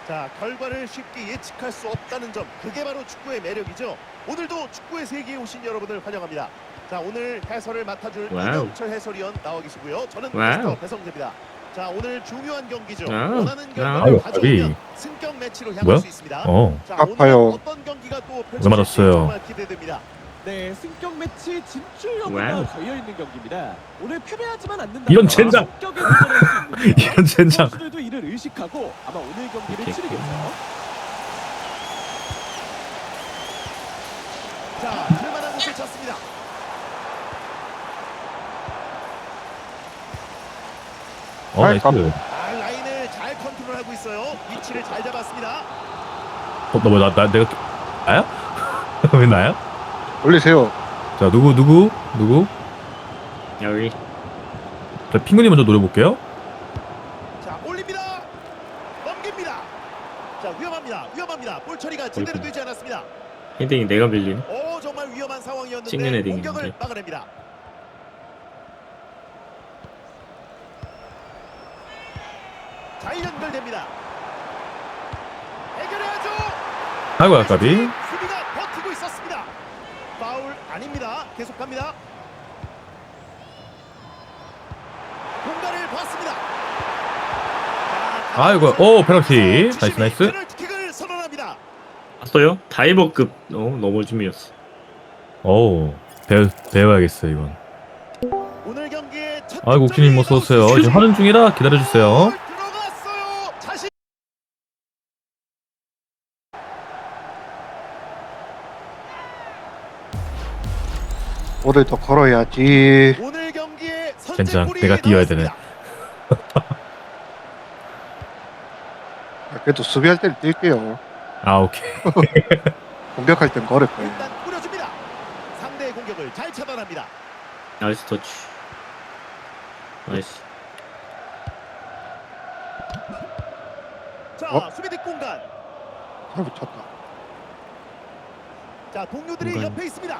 자, 결과를 쉽게 예측할 수 없다는 점, 그게 바로 축구의 매력이죠. 오늘도 축구의 세계에 오신 여러분을 환영합니다. 자, 오늘 해설을 맡아줄 와우. 이명철 해설위원 나와 계시고요. 저는 와우. 캐스터 배성재입니다. 자, 오늘 중요한 경기죠. 와우. 원하는 와우. 결과를 아유, 가져오면 까비. 승격 매치로 향할 뭐야? 수 있습니다. 어. 자, 아파요. 오늘 어떤 경기가 또 펼쳐질지 맞았어요. 정말 기대됩니다. 네, 승격 매치 진출 여부가 와우. 걸려 있는 경기입니다. 오늘 패배하지만 않는다. 이런 젠장! 이런 젠장! 선수들도 이를 의식하고 아마 오늘 경기를 오케이. 치르겠죠. 자, 들만한 곳을 쳤습니다. 나이스. 아, 라인을 잘 컨트롤하고 있어요. 위치를 잘 잡았습니다. 너 뭐, 내가, 나야? 왜 나야? 올리세요. 자, 누구? 여기 자, 핑구님 먼저 노려볼게요. 자, 올립니다. 넘깁니다. 자, 위험합니다. 볼 처리가 제대로 어이구. 되지 않았습니다. 헤딩이 내가 빌리네. 오, 정말 위험한 상황이었는데 찍는 헤딩인데. 공격을 막아냅니다. 잘 연결됩니다. 해결해야죠. 아이고, 아까비. 수비가 버티고 있었습니다. 파울 아닙니다. 계속합니다. 공간을 봤습니다. 자, 아이고, 오, 페널티. 주심이 나이스. 페널티킥을 선언합니다. 봤어요? 다이버급 넘어짐이었어. 어우, 배워야겠어, 이건. 오늘 경기의 첫 아이고, 옥진님 어서오세요. 지금 하는 중이라 기다려주세요. 들어갔어요. 자신 볼을 더 걸어야지. 오늘 경기의 젠장, 선제골이 내가 뛰어야 되네. 나왔습니다. 그래도 수비할 때는 뛸게요. 아, 오케이. 공격할 땐 걸을 거예요. 일단 뿌려줍니다. 상대의 공격을 잘 차단합니다. 나이스 터치. 나이스. 자, 수비 뒷공간. 잘 붙였다. 자, 동료들이 공간. 옆에 있습니다.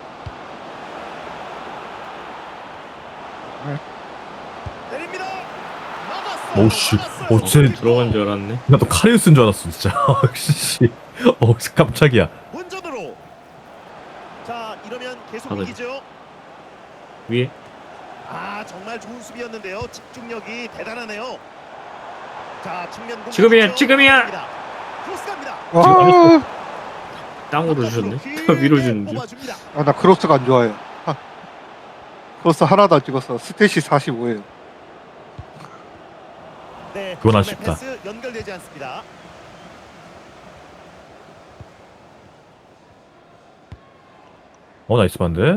네. 내립니다. 막았어요. 오씨. 막았어요. 오, 쟤 들어간 줄 알았네. 나 또 카리우스인 줄 알았어, 진짜. 씨. 깜짝이야. 본전으로. 자, 이러면 계속 받아요. 이기죠. 위에 아, 정말 좋은 수비였는데요. 집중력이 대단하네요. 자, 측면 공격. 지금이야, 지금이야. 크로스 갑니다. 와, 땅으로 주셨네. 길게 위로 주는 줄. 뽑아줍니다. 나 크로스가 안 좋아요. 크로스 하나도 안 찍었어. 스탯이 45예요. 네, 그건 처음에 아쉽다. 패스 연결되지 않습니다. 나이스 반대.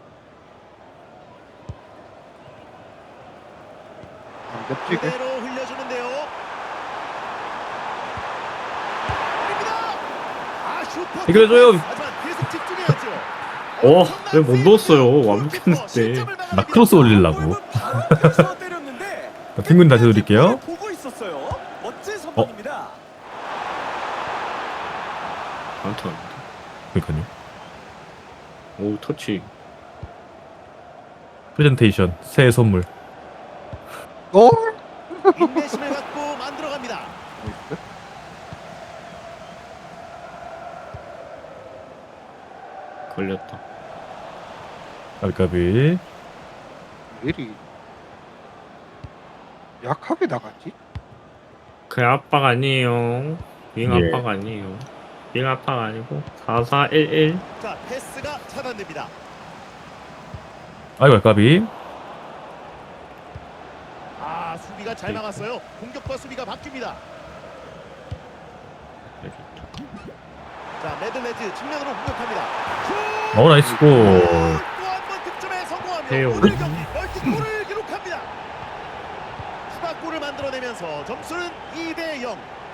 안 겹치게. 그대로 흘려주는데요. 때립니다. 아, 슈퍼. 해결해줘요. 하지만 계속 집중해야죠. 왜 못 넣었어요? 완벽했는데. 나 크로스 올리려고. 때렸는데 자, 핑구님 다시 드릴게요. 보고 있었어요. 멋진 선방입니다. 안타. 그러니까요. 오 터치. 프레젠테이션, 새해 선물. 어? 인내심을 갖고 만들어갑니다. 걸렸다. 까비까비. 왜 이리 약하게 나갔지? 그 압박 아니에요. 윙 예. 압박 아니에요. 윙 압박 아니고 4411. 자, 패스가 차단됩니다. 아이고, 까비. 아, 수비가 잘 막았어요. 공격과 수비가 바뀝니다. 자, 메들레즈 측면으로 공격합니다. 나이스 골. 또한번 득점에 성공하며 해요. 오늘 경기 멀티골을 기록합니다. 추가골을 만들어내면서 점수는 2대0.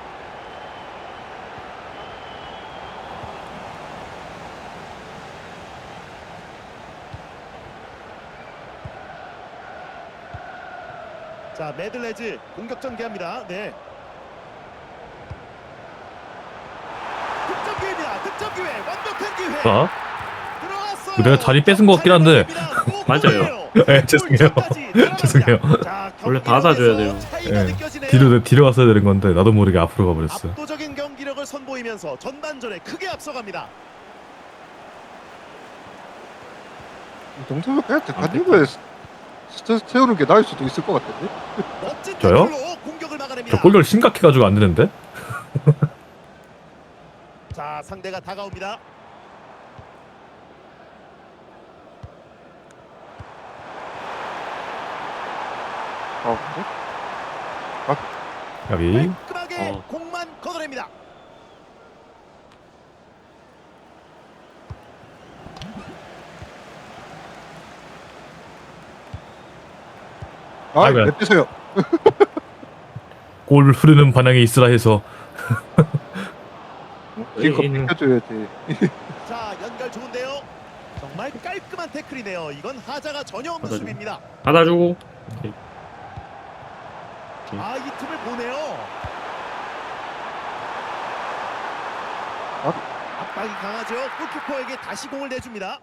자, 메들레즈 공격 전개합니다. 네. 득점 기회입니다. 득점 기회. 완벽한 기회. 자, 들어갔어요. 내가 자리 뺏은 것 같긴 한데. 맞아요. 예, 죄송해요. 죄송해요. 원래 받아줘야 돼요. 예. 뒤로 왔어야 되는 건데 나도 모르게 앞으로 가버렸어. 압도적인 경기력을 선보이면서 전반전에 크게 앞서갑니다. 이 정도면 그냥 대한민국에 스트레스 채우는 게 나을 수도 있을 것 같은데. 멋진 저요? 태클로 공격을 막아냅니다. 저 골결 심각해가지고 안 되는데? 자, 상대가 다가옵니다. 야비. 깔끔하게 어. 공만 걷어냅니다. 아, 아이고야. 왜 빼세요? 골 흐르는 반향에 있으라 해서 이거 이는- 비켜줘야지. 자, 연결 좋은데요. 정말 깔끔한 태클이네요. 이건 하자가 전혀 없는 받아줘. 수비입니다. 받아주고. 아, 이 틈을 보네요. 압박이 강하죠. 골키퍼에게 다시 공을 내줍니다.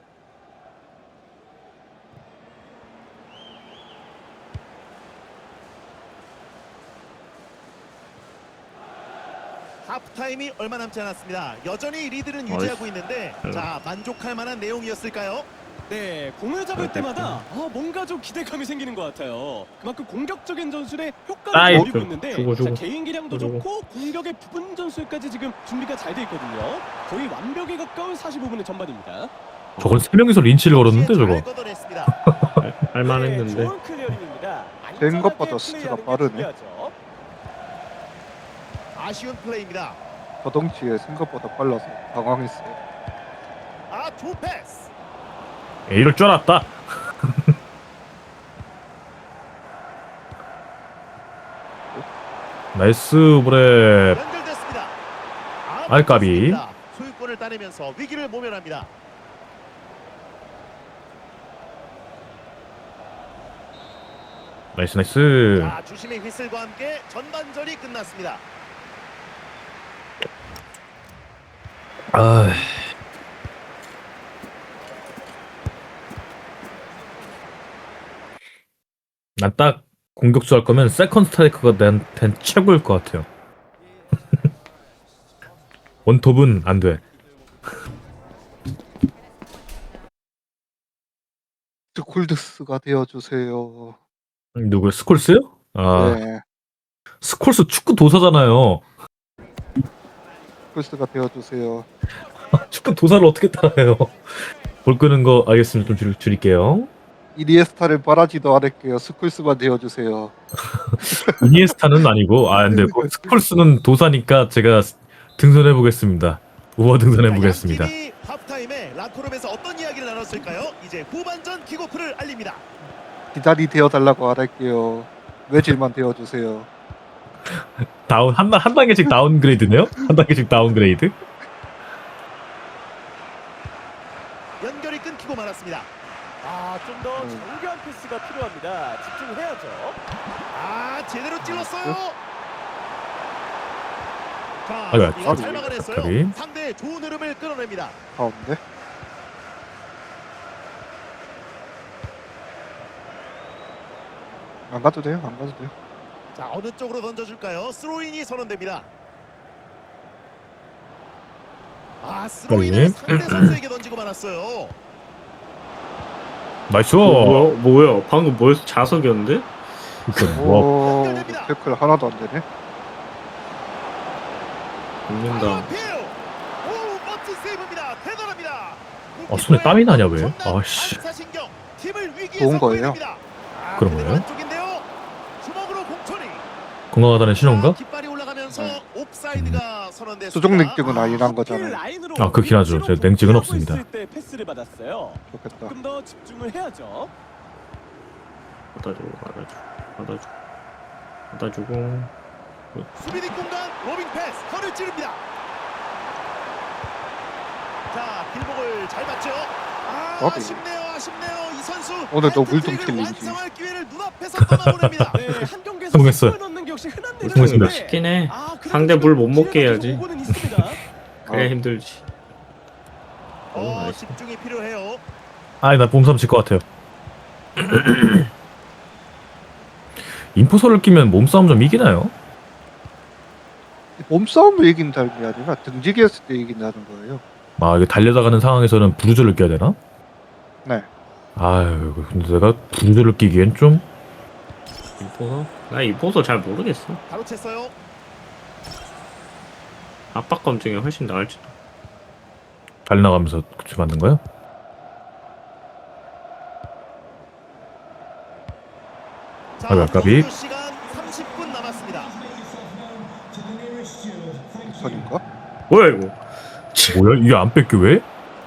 하프타임이 얼마 남지 않았습니다. 여전히 리드는 유지하고 있는데 자, 만족할 만한 내용이었을까요? 네, 공을 잡을 때마다 뭔가 좀 기대감이 생기는 것 같아요. 그만큼 공격적인 전술에 효과를 아이, 보이고 있는데 주고. 자, 개인 기량도 주고. 좋고 공격의 부분 전술까지 지금 준비가 잘 돼 있거든요. 거의 완벽에 가까운 45분의 전반입니다. 저건 3명이서 린치를 걸었는데 저거. 잘 걷어냈습니다. 할만했는데. 네, 좋은 클리어링입니다. 된 것보다 안전하게 스트가 플레이하는 게 빠르네. 중요하죠. 아쉬운 플레이입니다. 저덩치에 생각보다 빨라서 당황했어요. 아, 좋은 패스. 이럴 줄 알았다. 나이스 브레. 연결됐습니다. 아, 아이, 까비. 맞습니다. 소유권을 따내면서 위기를 모면합니다. 나이스 나이스. 자, 주심의 휘슬과 함께 전반전이 끝났습니다. 아, 난 딱 공격수 할 거면 세컨 스트라이커가 나한텐 최고일 것 같아요. 원톱은 안 돼. 스콜드스가 되어주세요. 누구요? 스콜스요? 아, 네, 스콜스 축구 도사잖아요. 스콜드스가 되어주세요. 축구 도사를 어떻게 따라해요? 볼 끄는 거 알겠습니다. 좀 줄일게요. 이니에스타를 바라지도 않을게요. 스콜스만 되어주세요. 이니에스타는 아니고, 아, 근데 뭐 스콜스는 도사니까 제가 등선해 보겠습니다. 우와 등선해 보겠습니다. 양 팀이 하프타임에 라커룸에서 어떤 이야기를 나눴을까요? 이제 후반전 킥오프를 알립니다. 기다리 되어달라고 안 할게요. 외질만 되어주세요. 다운 한 단계씩 다운그레이드네요? 한 단계씩 다운그레이드? 연결이 끊기고 말았습니다. 아, 좀 더 정교한 패스가 필요합니다. 집중해야죠. 아, 제대로 찔렀어요. 자, 아이고야, 이거 잘 막아냈어요. 까비. 상대의 좋은 흐름을 끌어냅니다. 가운데. 안 가도 돼요. 안 가도 돼요. 자, 어느 쪽으로 던져줄까요? 스로인이 선언됩니다. 아, 스로인을 상대 선수에게 던지고 말았어요. 나이스. 뭐야? 방금 뭐였어? 자석이었는데? 그러니까 와, 오, 연결됩니다. 태클 하나도 안 되네. 죽는다. 오, 멋진 세이브입니다. 대단합니다. 아, 손에 땀이 나냐, 왜? 아씨. 반사신경, 팀을 위기에서 좋은 거예요. 구해냅니다. 아, 그런 그대로 거예요? 안쪽인데요. 주먹으로 공처리. 건강하다는 신호인가? 자, 깃발이 올라가면서 옵사이드가 선언됐습니다. 수족 냉증은 아니란 거잖아요. 아, 그렇긴 하죠. 제 냉증은 없습니다. 있을 때 패스를 받았어요. 좋겠다. 조금 더 집중을 해야죠. 받아주고. 수비 뒷공간 로빙 패스 허를 찌릅니다. 자, 길목을 잘 봤죠. 아, 어디? 아쉽네요. 이 선수 오늘도 헤트트릭을 물동 챌린지. 완성할 기회를 눈앞에서 떠나보냅니다. 네, 한 경기에서 성공했어요. 골 넣는 게 역시 흔한 성공했습니다. 일인데 쉽긴 해. 그래도 상대 물 못 지금 먹게 기회가 해야지. 계속 오고는 있습니다. 그래 힘들지. 나이스. 집중이 필요해요. 아이, 나 몸삼 칠 것 같아요. 인포서를 끼면 몸싸움 좀 이기나요? 몸싸움을 이긴다는 게 아니라 등지기 했을 때 이긴다는 거예요. 아 이게 달려다가는 상황에서는 부르저를 껴야 되나? 네. 아유 근데 내가 부르저를 끼기엔 좀 인포서? 나 인포서 잘 모르겠어. 바로 챘어요. 압박감 중에 훨씬 나을지도. 달려나가면서 그치 맞는 거야? 자, 아이고, 아깝이. 공격 시간 30분 남았습니다. 선인가? 뭐야 이거? 뭐야 이게 안 뺏겨 왜?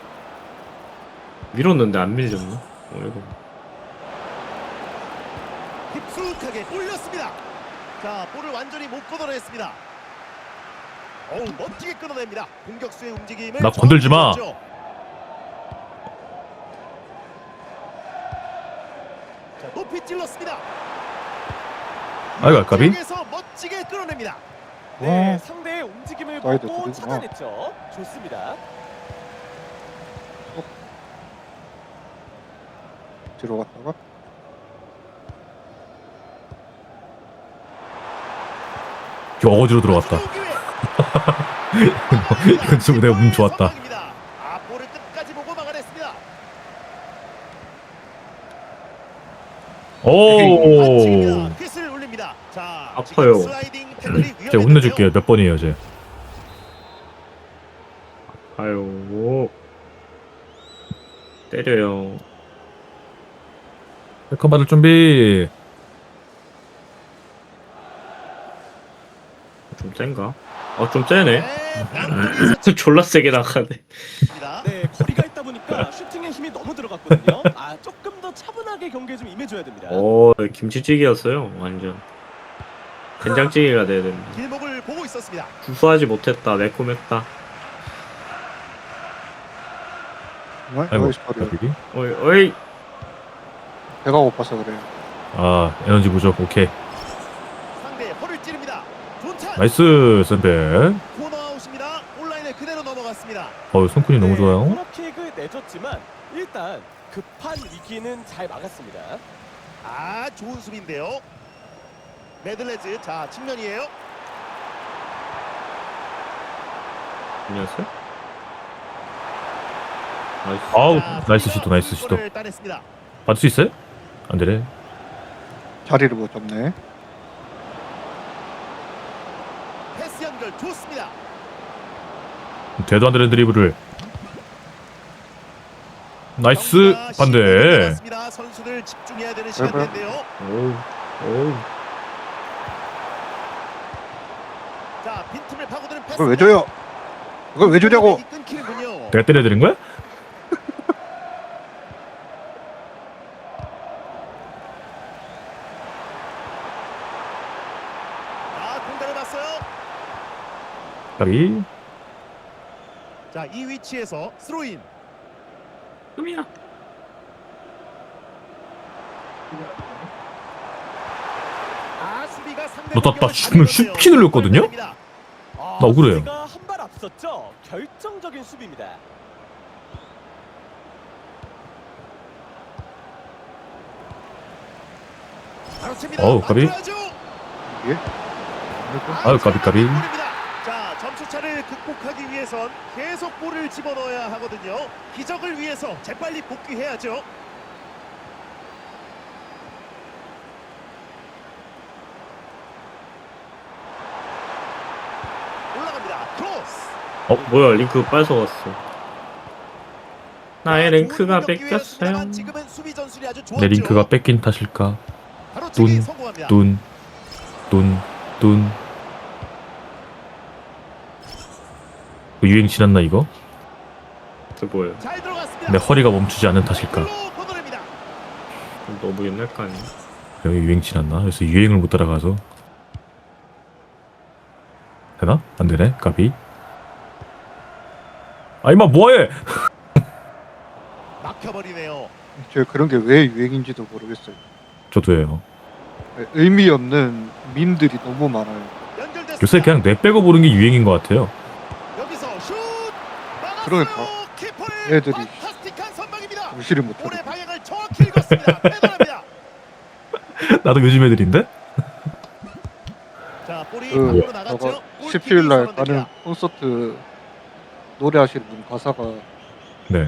밀었는데 안 밀렸나? 이거. 깊숙하게 올렸습니다. 자, 볼을 완전히 못 걷어냈습니다. 어우, 멋지게 끊어냅니다. 공격수의 움직임을 나 건들지 마. 정확히 보였죠. 자, 높이 찔렀습니다. 아이고, 아깝이. 에서 멋지게 끌어냅니다. 네, 상대의 움직임을 사이드 보고 둘이구나. 찾아냈죠. 좋습니다. 뒤로 갔다가 이거 어거지로 들어갔다. 이건 좀 내가 운 좋았다. 아, 볼을 끝까지 보고 막아냈습니다. 오. pit을 올립니다. 자, 아파요. 지금 슬라이딩 태클이 제가 혼내줄게요. 몇 번이에요 제. 아유. 때려요. wel컴 받을 준비. 좀 센가? 좀 세네. 네, 졸라 세게 나가네. 네, 거리가 있다 보니까 슈팅에 힘이 너무 들어갔거든요. 아, 조금 더 차분하게 경기에 좀 임해줘야 됩니다. 김치찌개였어요. 완전. 된장찌개가 돼야 됩니다. 길목을 보고 있었습니다. 구수하지 못했다. 매콤했다. 정말 아이고 여기서 버려. 가비기. 어이. 배가 고파서 그래요. 아 에너지 부족. 오케이. 상대 허를 찌릅니다. 존찬 나이스 샌백. 코너 아웃입니다. 온라인에 그대로 넘어갔습니다. 손kun이 너무 좋아요. 코너킥을 내줬지만 일단 급한 위기는 잘 막았습니다. 아, 좋은 수비인데요. 메들레즈, 자, 측면이에요. 안녕하세요. 나이스. 아우 자, 나이스 수비가 시도 나이스 시도. 골을 따냈습니다. 받을 수 있어요? 안 되네. 자리를 못 잡네. 패스 연결 좋습니다. 되도 안 되는 드리블을. 나이스 경기가 반대. 10분 남았습니다. 선수들 집중해야 되는 그래. 시간인데요. 오우. 자, 빈틈을 파고드는 패스. 이걸 왜 줘요? 이걸 왜 주냐고? 끊기는군요. 내가 때려드린 거야? 아, 공간을 봤어요. 가비. 자, 이 위치에서 스로인. 끔이야. 아, 수비가 상대 너, 나 공격을 지금 잡아내는데요. 슈키 눌렀거든요? 아, 나 억울해요. 수비가 한 발 앞섰죠. 결정적인 수비입니다. 바로 칩니다. 어우, 까비. 만들어야죠. 예? 아유, 까비, 까비. 골입니다. 자, 점수차를 극복하기 위해선 계속 볼을 집어넣어야 하거든요. 기적을 위해서 재빨리 복귀해야죠. 올라갑니다. 크로스. 뭐야 링크 뺏어갔어. 나의 랭크가 뺏겼어요. 지금은 수비 전술이 아주 좋았죠. 내 링크가 뺏긴 탓일까? 바로 치기 뚠, 성공합니다. 뚠. 그 유행 지났나 이거? 그 뭐예요? 잘 들어갔습니다. 내 허리가 멈추지 않는 탓일까? 골로 걷어냅니다. 너무 옛날 거 아니야? 여기 유행 지났나? 그래서 유행을 못 따라가서 되나? 안 되네. 까비. 아 이마 뭐해? 막혀버리네요. 제가 그런 게 왜 유행인지도 모르겠어요. 저도예요. 의미 없는 밈들이 너무 많아요. 연결됐습니다. 요새 그냥 뇌 빼고 보는 게 유행인 것 같아요. 여기서 슛! 막았어요. 그러니까. 키퍼의 애들이 판타스틱한 선방입니다. 무시를 못하고. 볼의 방향을 정확히 긁었습니다. 패널합니다. 나도 요즘 애들인데? 자, 볼이 그 밖으로 나갔죠. 저거 골킥이 17일 날 선언됩니다. 가는 콘서트 노래하시는 분 가사가 네.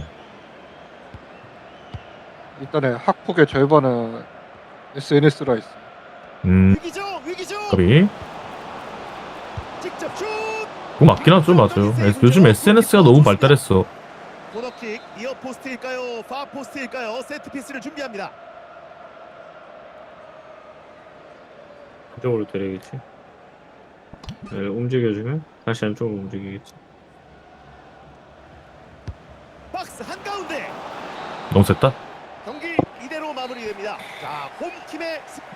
일단에 학폭의 절반은 SNS라 있어. 위기죠, 위기죠. 거비. 직접 슛. 그거 맞긴 하죠, 맞아요. 요즘 SNS가 너무 발달했어. 코너킥 이어 포스트일까요? 파 포스트일까요? 세트 피스를 준비합니다. 그쪽으로 때리겠지. 네, 움직여주면 다시 안쪽으로 움직이겠지. 박스 한가운데 너무 셌다. 경기 이대로 마무리됩니다. 자, 홈팀의